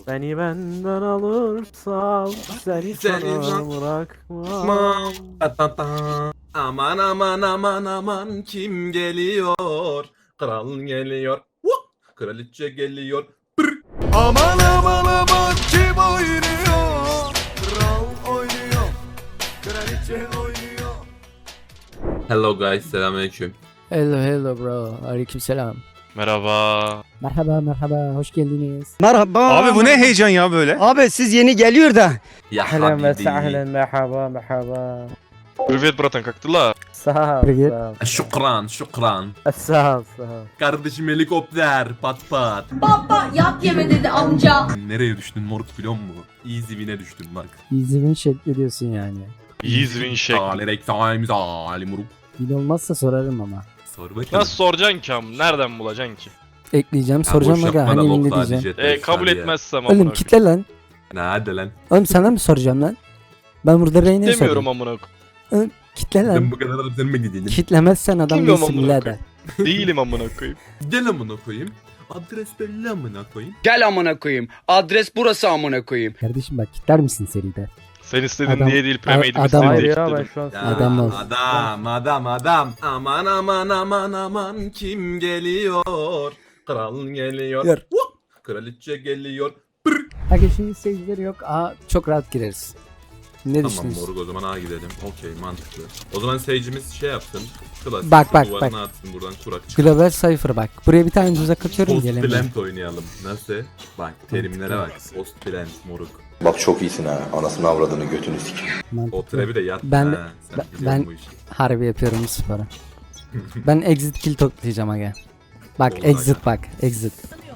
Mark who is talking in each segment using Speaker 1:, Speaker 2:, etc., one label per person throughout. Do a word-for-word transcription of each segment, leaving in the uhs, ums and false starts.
Speaker 1: Beni benden alırsan seni
Speaker 2: Seni
Speaker 1: sana bırakmam.
Speaker 2: Ta ta ta. Aman aman aman aman kim geliyor? Kral geliyor. Woo! Kraliçe geliyor.
Speaker 3: Aman aman aman kim oynuyor? Kral oynuyor. Kraliçe oynuyor.
Speaker 2: Hello guys, selamünaleyküm.
Speaker 4: Hello hello bro. Aleykümselam.
Speaker 5: Merhaba.
Speaker 4: Merhaba merhaba hoş geldiniz.
Speaker 6: Merhaba.
Speaker 3: Abi bu ne heyecan ya böyle?
Speaker 6: Abi siz yeni geliyor da.
Speaker 2: Ya
Speaker 1: Ahlen ve
Speaker 2: habibi.
Speaker 1: sahlen merhaba merhaba.
Speaker 5: Привет, братан, как дела?
Speaker 1: Sağ ol
Speaker 4: Привет.
Speaker 1: sağ ol.
Speaker 2: Şükran, şükran.
Speaker 1: Sağ ol sağ ol.
Speaker 2: Kardeşim helikopter, pat pat.
Speaker 7: Baba yap yeme dedi amca.
Speaker 2: Nereye düştün moruk biliyor musun? Easy win'e düştün bak.
Speaker 4: İzmin şekli diyorsun yani.
Speaker 5: Izvin şek.
Speaker 2: Alerek times ali moruk.
Speaker 4: Bil olmazsa sorarım ama.
Speaker 2: Sor bakalım.
Speaker 5: Nasıl soracaksın ki am? Nereden bulacaksın ki?
Speaker 4: Ekleyeceğim
Speaker 2: Ya
Speaker 4: soracağım
Speaker 2: boş
Speaker 4: aga
Speaker 2: yapma da
Speaker 4: hani elinde
Speaker 2: lokla
Speaker 4: diyeceğim.
Speaker 2: diyecek
Speaker 5: E,
Speaker 2: de
Speaker 5: kabul
Speaker 2: hadi ya.
Speaker 5: etmezsem amına
Speaker 4: Oğlum
Speaker 5: koyayım.
Speaker 4: kitle lan.
Speaker 2: Ne hadi lan.
Speaker 4: Oğlum sana mı soracağım lan? Ben burada Reyna'ya
Speaker 5: Demiyorum
Speaker 4: sorayım.
Speaker 5: amına koyayım.
Speaker 4: Kitle lan.
Speaker 2: Ben bu kadar sen mi gidelim?
Speaker 4: Kitlemezsen adam
Speaker 5: Bilmiyorum
Speaker 4: değilsin
Speaker 5: amına
Speaker 4: birader.
Speaker 5: Değilim amına koyayım.
Speaker 2: Gel amına koyayım. Adres belli amına koyayım.
Speaker 6: Gel amına koyayım. Adres burası amına koyayım.
Speaker 4: Kardeşim bak kitler misin seride?
Speaker 5: Sen istedin
Speaker 4: Adam-
Speaker 5: diye değil,
Speaker 4: a-
Speaker 5: premeydim
Speaker 4: adam-
Speaker 5: istedin
Speaker 1: Hayır
Speaker 5: diye
Speaker 1: ya ben
Speaker 5: kilitledim.
Speaker 1: şu an
Speaker 2: Ya,
Speaker 4: Adam ol.
Speaker 2: Adam, adam, adam. Aman aman aman aman kim geliyor? Kral geliyor.
Speaker 4: Yer.
Speaker 2: Woo! Kraliçe geliyor.
Speaker 4: Aga şimdi seyircileri yok. Aa çok rahat gireriz. Ne
Speaker 2: Tamam
Speaker 4: düşünüyorsun?
Speaker 2: moruk o zaman A gidelim. Okey mantıklı. O zaman seyircimiz şey yapsın. Klasik.
Speaker 4: Bak, bak,
Speaker 2: duvarına
Speaker 4: bak.
Speaker 2: atsın buradan kurak çıkar.
Speaker 4: Global Cypher bak. Buraya bir tane tuzak atıyorum
Speaker 2: Post
Speaker 4: gelemiyor.
Speaker 2: plant oynayalım. Nasıl? Bak terimlere bak. Post plant moruk.
Speaker 8: Bak çok iyisin ha. Anasını avradını götünü sikeyim.
Speaker 2: O
Speaker 4: Mantıklı.
Speaker 2: trebi de yat.
Speaker 4: Ben-
Speaker 2: ha. Sen
Speaker 4: ben-
Speaker 2: biliyorsun
Speaker 4: ben-
Speaker 2: bu işi.
Speaker 4: Harbi yapıyorum bu sporu. Ben exit kill toplayacağım aga. Bak
Speaker 2: Olur
Speaker 4: exit bak exit.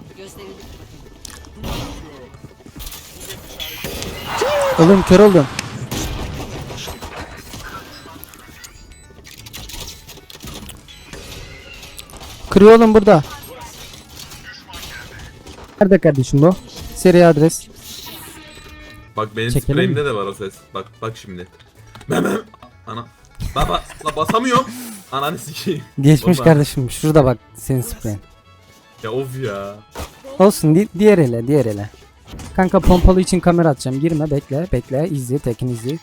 Speaker 4: Oğlum kör oldum. Kırıyor oğlum burada. Nerede kardeşim bu? Seri adres.
Speaker 2: Bak benim
Speaker 4: Çekelim
Speaker 2: spreyimde de var o ses. Bak bak şimdi. Meme. Ana. Baba la basamıyorum. Ananı sikeyim.
Speaker 4: Geçmiş
Speaker 2: Baba.
Speaker 4: kardeşim. Şurada bak senin spreyin.
Speaker 2: Ya of ya.
Speaker 4: Olsun di- diğer ele diğer ele. Kanka pompalı için kamera atacağım. Girme bekle bekle izle tekin izle.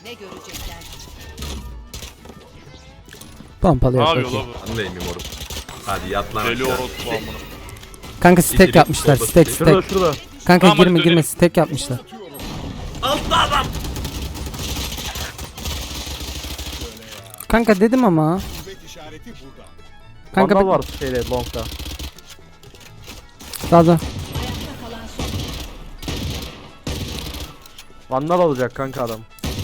Speaker 4: Pompalı
Speaker 5: Ne
Speaker 4: yap
Speaker 5: yapıyor
Speaker 4: bakayım.
Speaker 5: la bu?
Speaker 2: Ben deyim moruk. Hadi yat lan
Speaker 5: Deli
Speaker 2: aşağı.
Speaker 5: orospu amına.
Speaker 4: Kanka stack
Speaker 2: İçeri,
Speaker 4: yapmışlar
Speaker 2: solda
Speaker 4: stack
Speaker 2: stack.
Speaker 1: Şurada
Speaker 4: stack.
Speaker 1: şurada.
Speaker 4: Kanka
Speaker 5: Tamam, hadi
Speaker 4: girme girme
Speaker 5: dönelim.
Speaker 4: stack yapmışlar.
Speaker 2: Altta adam.
Speaker 4: Kanka dedim ama. Kanka
Speaker 1: Vandal
Speaker 4: bak
Speaker 1: var şeyde longda.
Speaker 4: sağda.
Speaker 1: Vandal olacak kanka adam.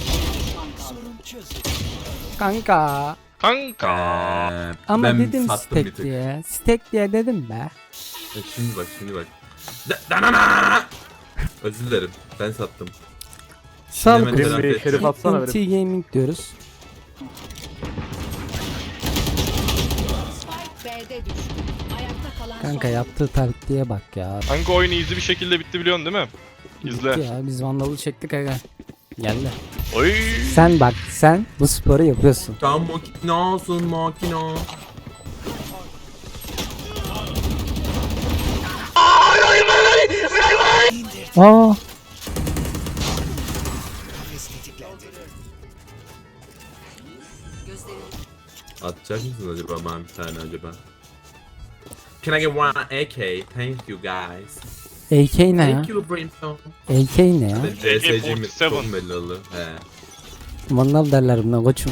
Speaker 4: Kanka.
Speaker 5: Kanka.
Speaker 2: Ee,
Speaker 4: Ama
Speaker 2: ben
Speaker 4: dedim
Speaker 2: sattım bir
Speaker 4: stack
Speaker 2: tık.
Speaker 4: diye. Stack diye dedim be.
Speaker 2: E, şimdi bak şimdi bak. Da- danana! Özür dilerim. Ben sattım.
Speaker 4: Sağlık
Speaker 2: hemen
Speaker 4: olsun.
Speaker 2: telafi
Speaker 1: Bir
Speaker 2: et.
Speaker 1: şerif atsana
Speaker 4: N T
Speaker 1: benim.
Speaker 4: Gaming diyoruz.
Speaker 7: B'de düştü. Ayakta kalan
Speaker 4: Kanka
Speaker 7: son.
Speaker 4: yaptığı taktiğe bak ya.
Speaker 5: Kanka oyun easy bir şekilde bitti biliyorsun değil mi? İzle.
Speaker 4: Bitti ya biz vandalı çektik aga. Geldi.
Speaker 5: Oy.
Speaker 4: Sen bak sen bu sporu yapıyorsun.
Speaker 2: Tam makinasın makina.
Speaker 4: Aa.
Speaker 2: Atacak mısın acaba bana bir tane acaba? Can I get one A K? Thank you guys.
Speaker 4: A K ne ya?
Speaker 2: Thank you Brimstone.
Speaker 4: A K ne ya?
Speaker 2: Ben C S C'mi
Speaker 5: kırk yedi.
Speaker 2: çok belli oldu. He.
Speaker 4: Vandal derler buna koçum.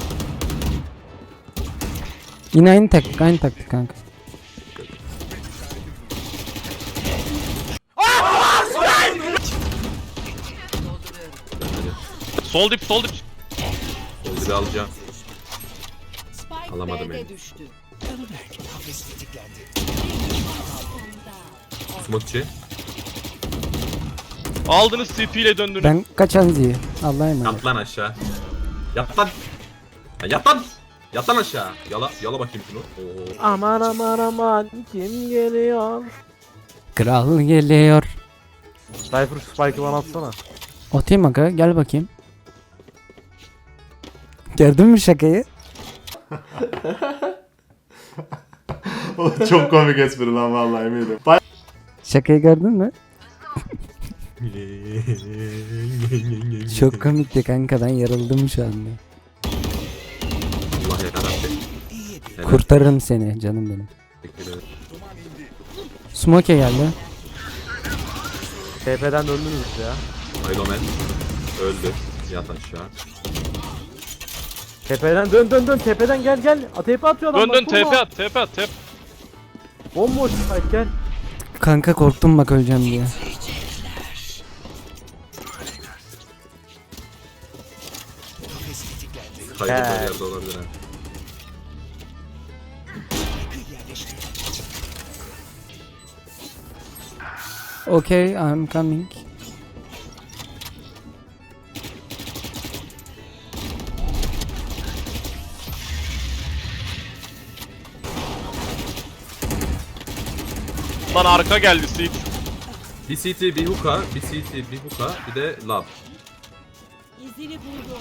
Speaker 4: Yine aynı taktik aynı taktik kanka.
Speaker 5: Sol dip sol dip.
Speaker 2: Oldu da alacağım.
Speaker 7: Spike
Speaker 2: Alamadım
Speaker 7: B'de
Speaker 2: henüz.
Speaker 7: düştü.
Speaker 2: Smokçi.
Speaker 5: Aldınız C P ile döndünüz.
Speaker 4: Ben kaçan ziyi. Allah'a emanet.
Speaker 2: Yat lan aşağı. Yat lan. Ya yat lan. Yat lan aşağı. Yala, yala bakayım şunu. Oo.
Speaker 1: Aman aman aman kim geliyor?
Speaker 4: Kral geliyor.
Speaker 1: Cypher Spike'ı bana atsana.
Speaker 4: Atayım aga gel bakayım. Gördün mü şakayı?
Speaker 3: Çok komik espri lan vallahi eminim.
Speaker 4: Şakayı gördün mü? Çok komikti kanka, ben yarıldım şu anda.
Speaker 2: Allah yarabbim. Helal.
Speaker 4: Kurtarırım seni canım benim.
Speaker 2: Teşekkür ederim.
Speaker 4: Smoke geldi.
Speaker 1: T P'den döndünüz ya.
Speaker 2: Iron Man öldü. Yat aşağı.
Speaker 1: Tepeden dön dön dön tepeden gel gel. A, T P atıyor adam.
Speaker 5: Dön
Speaker 1: bak,
Speaker 5: dön
Speaker 1: vurma.
Speaker 5: T P at T P at T P.
Speaker 1: Bomboş spike gel.
Speaker 4: Kanka korktum bak öleceğim diye.
Speaker 2: Kaydı
Speaker 1: He.
Speaker 2: bir yerde olabilir ha.
Speaker 4: Okay, I'm coming.
Speaker 5: Lan arka geldi Seed.
Speaker 2: Bir C T, bir hookah, bir C T, bir hookah, bir de lab.
Speaker 7: İzini buldu.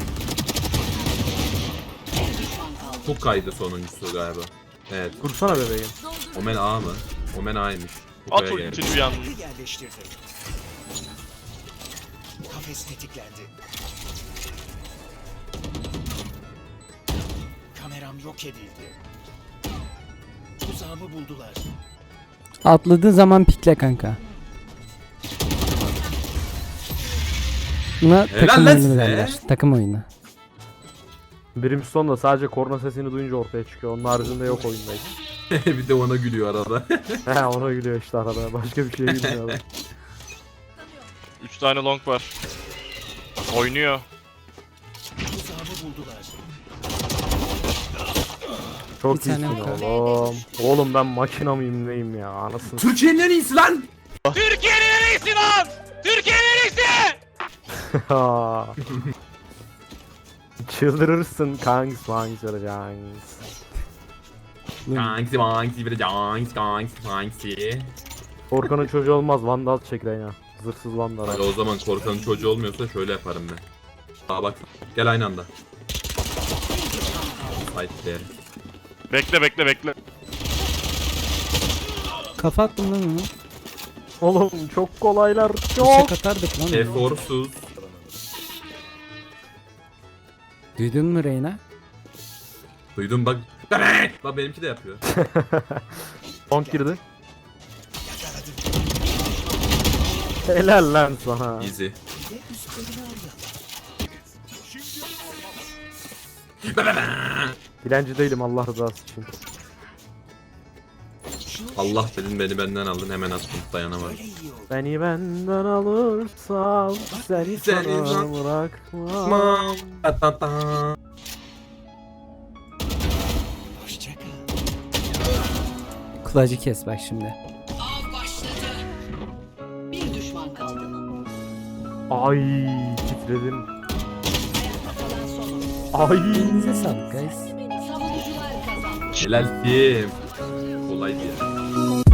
Speaker 2: Hookah'ydı sonuncusu galiba. Evet.
Speaker 1: Kursana bebeğim.
Speaker 2: Omen A mı? Omen A'ymış.
Speaker 5: At
Speaker 2: Hookah'a geldi.
Speaker 5: ultini bir anda.
Speaker 9: Yerleştirdi. Kafes tetiklendi. Kameram yok edildi. Tuzağımı buldular.
Speaker 4: Atladığı zaman pikle kanka. Buna
Speaker 2: Helal
Speaker 4: takım
Speaker 2: lan
Speaker 4: oyunu
Speaker 2: size.
Speaker 4: derler. Takım oyunu.
Speaker 1: Brimstone da sadece korna sesini duyunca ortaya çıkıyor. Onun haricinde yok oyundaydı.
Speaker 2: Bir de ona gülüyor arada.
Speaker 1: He ona gülüyor işte arada. Başka bir şey gülmüyor adam.
Speaker 5: üç tane long var. Oynuyor.
Speaker 9: Tuzağımı buldular.
Speaker 1: Çok
Speaker 4: Bir tane
Speaker 1: iyisin
Speaker 4: yok.
Speaker 1: oğlum. Oğlum ben makina mıyım neyim ya anasını.
Speaker 2: Türkiye'nin en iyisi lan!
Speaker 5: Türkiye'nin en iyisi lan! Türkiye'nin en iyisi!
Speaker 1: Ha. Çıldırırsın kanks manks yapacaksın.
Speaker 2: Kanksi manksi bir de canksi kanksi kanksi.
Speaker 1: Korkanın çocuğu olmaz vandal çek Reyna. Zırhsız vandal.
Speaker 2: Hadi o zaman korkanın çocuğu olmuyorsa şöyle yaparım ben. Aa bak gel aynı anda. Haydi de.
Speaker 5: Bekle bekle bekle.
Speaker 4: Kafa attım lan onu.
Speaker 1: Oğlum çok kolaylar çok.
Speaker 4: Bıçak atardık lan onu.
Speaker 2: Eforsuz.
Speaker 4: Duydun mu Reyna?
Speaker 2: Duydum bak. Bak benimki de yapıyor.
Speaker 1: Long girdi. Helal lan sana.
Speaker 2: Easy.
Speaker 1: Dilenci değilim Allah rızası için.
Speaker 2: Allah dedin beni benden aldın hemen attım dayanamadım.
Speaker 1: Beni benden alırsan seni
Speaker 2: Seni
Speaker 1: sana
Speaker 2: bırak-
Speaker 1: bırakmam.
Speaker 2: Ta ta ta.
Speaker 9: Hoşçakal.
Speaker 4: Kulacı kes bak şimdi.
Speaker 7: Av başladı. Bir düşman kaldı.
Speaker 1: Ay titredim.
Speaker 7: Kalan son.
Speaker 1: Ay.
Speaker 4: Elinize sağlık guys.
Speaker 7: Savunucular kazandı.
Speaker 2: Helal kim? Kolaydı ya.